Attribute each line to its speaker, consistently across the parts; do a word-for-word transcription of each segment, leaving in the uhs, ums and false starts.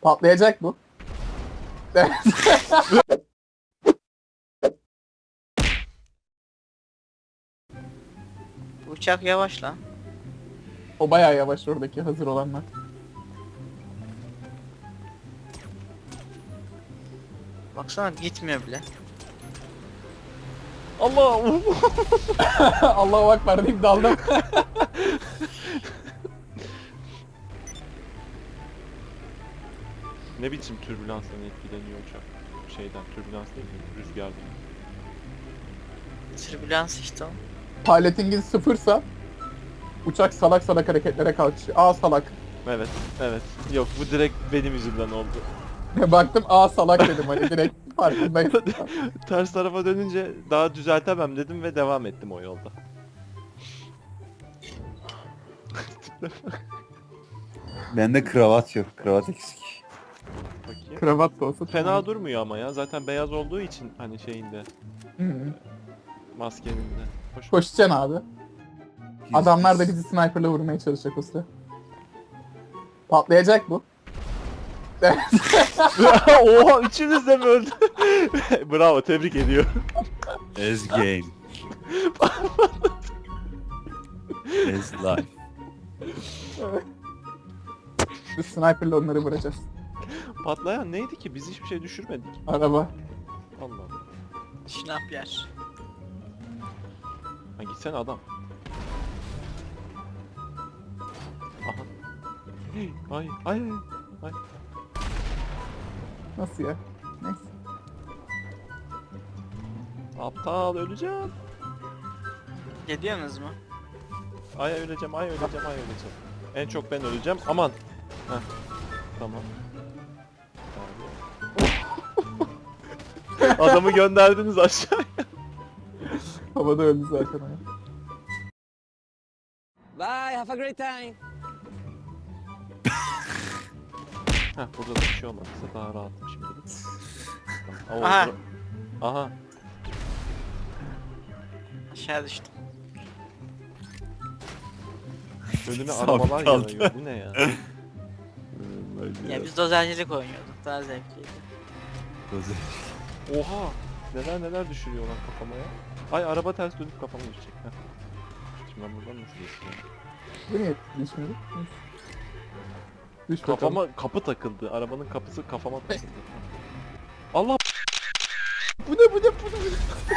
Speaker 1: Patlayacak bu.
Speaker 2: Uçak yavaş lan.
Speaker 1: O bayağı yavaş oradaki hazır olanlar.
Speaker 2: Baksana gitmiyor bile.
Speaker 3: Allah!
Speaker 1: Allahu Ekber deyip daldım.
Speaker 3: Ne biçim türbülanstan etkileniyor uçak? Şeyden, türbülans değil mi? Rüzgardan.
Speaker 2: Türbülans işte o.
Speaker 1: Piloting'in sıfırsa uçak salak salak hareketlere kalkışıyor. Aa salak.
Speaker 3: Evet, evet. Yok, bu direkt benim yüzümden oldu.
Speaker 1: Baktım aa salak dedim hani direkt farkındayım.
Speaker 3: Ters tarafa dönünce daha düzeltemem dedim ve devam ettim o yolda.
Speaker 4: Bende kravat yok. Kravat eksik.
Speaker 3: Bakayım.
Speaker 1: Kravat da olsa
Speaker 3: Fena durmuyor ama ya. Zaten beyaz olduğu için hani şeyinde,
Speaker 1: Hı -hı.
Speaker 3: maskenin de. Hoş.
Speaker 1: Koşacaksın abi. Adamlar da bizi sniperla vurmaya çalışacak o sıra. Patlayacak bu.
Speaker 3: Oha, üçünüz de mi öldü? Bravo, tebrik ediyorum.
Speaker 4: As game. As life.
Speaker 1: Biz sniperla onları vuracağız.
Speaker 3: Patlayan neydi ki? Biz hiçbir şey düşürmedik.
Speaker 1: Araba.
Speaker 3: Allah Allah.
Speaker 2: Şnap yer.
Speaker 3: Ha gitsene adam. Aha. Ay, ay, ay.
Speaker 1: Nasıl ya? Neyse.
Speaker 3: Aptal, öleceğim.
Speaker 2: Gidiyorsunuz mu?
Speaker 3: Ay öleceğim, ay öleceğim, ay öleceğim. En çok ben öleceğim. Aman. Heh. Tamam. Adamı gönderdiniz aşağıya.
Speaker 1: Havada öldü zaten o.
Speaker 5: Bye, have a great time.
Speaker 3: Heh, burada da bir şey olmadıysa daha rahatım şimdi. Aa,
Speaker 2: Aha.
Speaker 3: bura- Aha.
Speaker 2: Aşağı düştüm.
Speaker 3: Önüme
Speaker 4: Sabit
Speaker 3: arabalar
Speaker 4: kaldı.
Speaker 3: yanıyor. Bu ne ya?
Speaker 2: Ya biz dozercilik oynuyorduk. Daha zevkliydi.
Speaker 3: Oha! Neler neler düşürüyorlar kafama ya. Ay araba ters dönüp kafama düşecek. Heh. Şimdi ben buradan nasıl geçeceğim?
Speaker 1: Bu niye düşmedi? Düş bakalım.
Speaker 3: Kafama kapı takıldı. Arabanın kapısı kafama takıldı. Allah! Bu ne bu ne bu ne?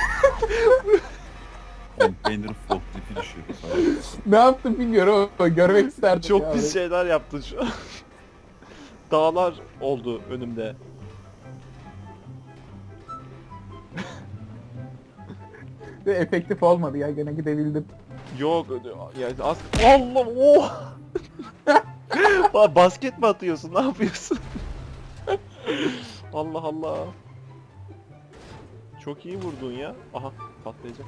Speaker 4: Container forklifti düşüyor.
Speaker 1: Ne yaptım bilmiyorum ama görmek isterdim
Speaker 3: Çok
Speaker 1: ya.
Speaker 3: pis şeyler yaptın şu an. Dağlar oldu önümde.
Speaker 1: Ve efektif olmadı ya gene gidebildim.
Speaker 3: Yok yani az... Allah! Oh! Ba- Basket mi atıyorsun? Ne yapıyorsun? Allah Allah. Çok iyi vurdun ya. Aha patlayacak.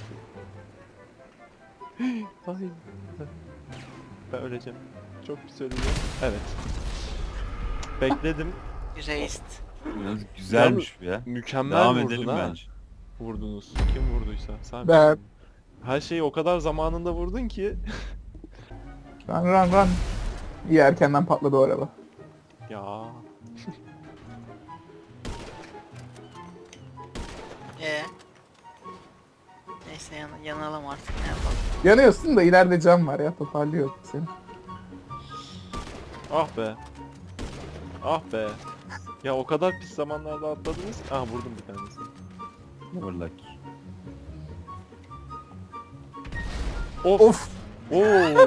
Speaker 3: Hayır. Ben öleceğim. Çok pis öleceğim. Evet. Bekledim.
Speaker 2: Reist.
Speaker 4: Biraz güzelmiş bu ya.
Speaker 3: Mükemmel
Speaker 4: Devam
Speaker 3: vurdun
Speaker 4: edelim
Speaker 3: ha.
Speaker 4: bence.
Speaker 3: Vurdunuz. Kim vurduysa. Sen
Speaker 1: Ben.
Speaker 3: misin? Her şeyi o kadar zamanında vurdun ki.
Speaker 1: Run run run. İyi erkenden patladı o araba.
Speaker 3: Ya.
Speaker 2: Ee. Neyse yan yanalım artık ne yapalım.
Speaker 1: Yanıyorsun da ileride cam var ya toparlıyor seni.
Speaker 3: Ah be. Ah be. Ya o kadar pis zamanlarda atladınız. Ah vurdum bir tanesini.
Speaker 4: Never lucky.
Speaker 3: Of.
Speaker 1: Of!
Speaker 3: Oo.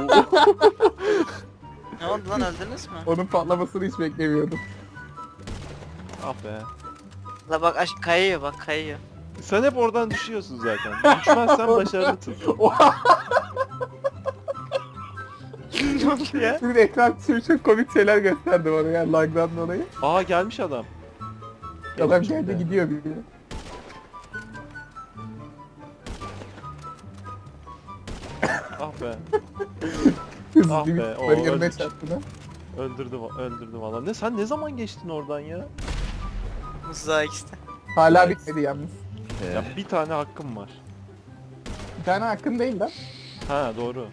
Speaker 2: Ne oldu lan, öldünüz mü?
Speaker 1: Onun patlamasını hiç beklemiyordum.
Speaker 3: Ah be.
Speaker 2: La bak aş kayıyor bak kayıyor.
Speaker 3: Sen hep oradan düşüyorsun zaten. Düşmezsen başarılısın.
Speaker 1: Oha!
Speaker 2: Ne oldu ya?
Speaker 1: Bir ekran tuşu çok komik şeyler gösterdi bana ya lagdan dolayı.
Speaker 3: Aa gelmiş adam.
Speaker 1: Adam
Speaker 3: Gelmiş
Speaker 1: geldi
Speaker 3: bir de.
Speaker 1: gidiyor bir de.
Speaker 3: Ah be.
Speaker 1: Hızlı
Speaker 3: Ah
Speaker 1: bir
Speaker 3: be, o
Speaker 1: bariyerine
Speaker 3: öldük.
Speaker 1: çarptı da.
Speaker 3: Öldürdü va- öldürdü valla. Ne sen ne zaman geçtin oradan ya?
Speaker 2: Mızrağı ikisi.
Speaker 1: Hala
Speaker 3: Evet.
Speaker 1: bitmedi yalnız.
Speaker 4: Ee,
Speaker 3: Ya bir tane hakkım var.
Speaker 1: Bir tane hakkın değil lan.
Speaker 3: Ha doğru.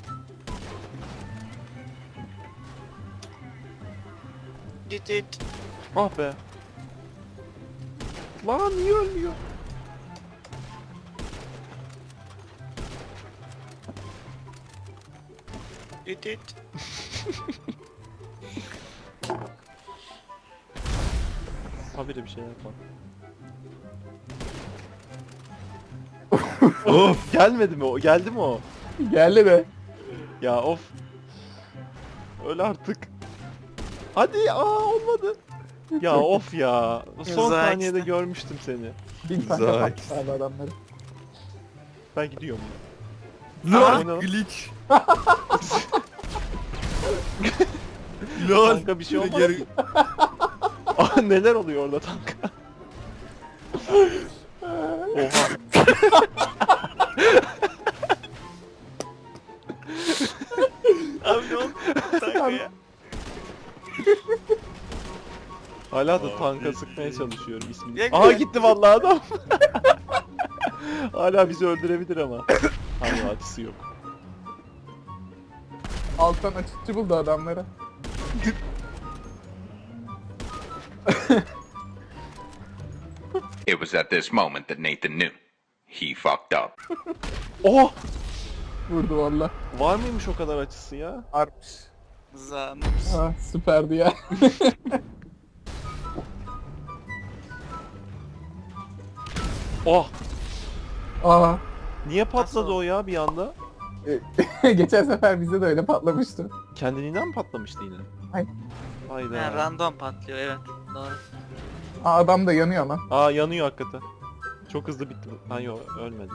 Speaker 2: Düt düt.
Speaker 3: Ah be. Lan niye ölmüyor?
Speaker 2: İt it.
Speaker 3: Habire bir şeyler yapalım.
Speaker 4: Of.
Speaker 3: Gelmedi mi o? Geldi mi o?
Speaker 1: Geldi be.
Speaker 3: Ya of. Öl artık. Hadi aa olmadı. Ya of ya. Son
Speaker 2: Güzel
Speaker 3: saniyede
Speaker 2: işte.
Speaker 3: görmüştüm seni.
Speaker 1: Bin tane
Speaker 4: Güzel.
Speaker 1: patladı adamları.
Speaker 3: Ben gidiyorum.
Speaker 4: Lan
Speaker 3: Aa.
Speaker 4: glitch. Lol.
Speaker 3: Kanka bir şey olmaz.
Speaker 4: Geri-
Speaker 3: Aa neler oluyor orada tanka? Oha.
Speaker 2: Abi ne oldu? Kanka ya.
Speaker 3: Hala da
Speaker 4: Aa,
Speaker 3: tanka
Speaker 4: iyi,
Speaker 3: sıkmaya
Speaker 2: iyi.
Speaker 3: çalışıyorum ismini.
Speaker 2: Ya-
Speaker 3: Aha gitti vallahi adam. Hala bizi öldürebilir ama. Hayır hadisi yok.
Speaker 1: Alttan açıkçı buldu adamları.
Speaker 6: It was at this moment that Nathan knew. He fucked up.
Speaker 3: Oh!
Speaker 1: Vurdu valla.
Speaker 3: Var mıymış o kadar açısı ya?
Speaker 1: Armış.
Speaker 2: Zanmış.
Speaker 1: Ha, süperdi ya.
Speaker 3: Oh!
Speaker 1: Aa.
Speaker 3: Niye patladı
Speaker 2: Nasıl?
Speaker 3: o ya bir anda?
Speaker 1: Geçen sefer bizde de öyle patlamıştı.
Speaker 3: Kendiliğinden mi patlamıştı yine?
Speaker 1: Hayır.
Speaker 3: Hayda.
Speaker 2: Yani random patlıyor evet. Doğru.
Speaker 1: Aa, adam da yanıyor lan.
Speaker 3: Aa yanıyor hakikaten. Çok hızlı bitti. Ha yok ölmedi.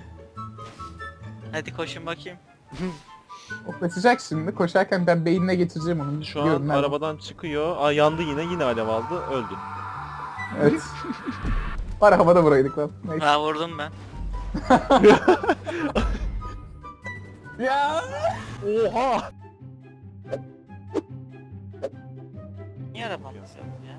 Speaker 2: Hadi koşun bakayım.
Speaker 1: O kaçacak şimdi. Koşarken ben beynine getireceğim onu.
Speaker 3: Şu an
Speaker 1: Biliyorum ben.
Speaker 3: arabadan çıkıyor. Aa yandı yine yine alev aldı. Öldü.
Speaker 1: Evet. Var havada vuraydık lan. Neyse.
Speaker 2: Ha vurdum ben.
Speaker 1: Ya.
Speaker 3: Oha!
Speaker 2: Niye arabamız yok ya?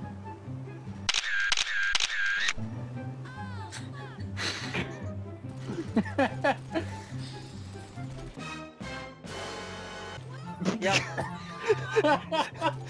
Speaker 2: ya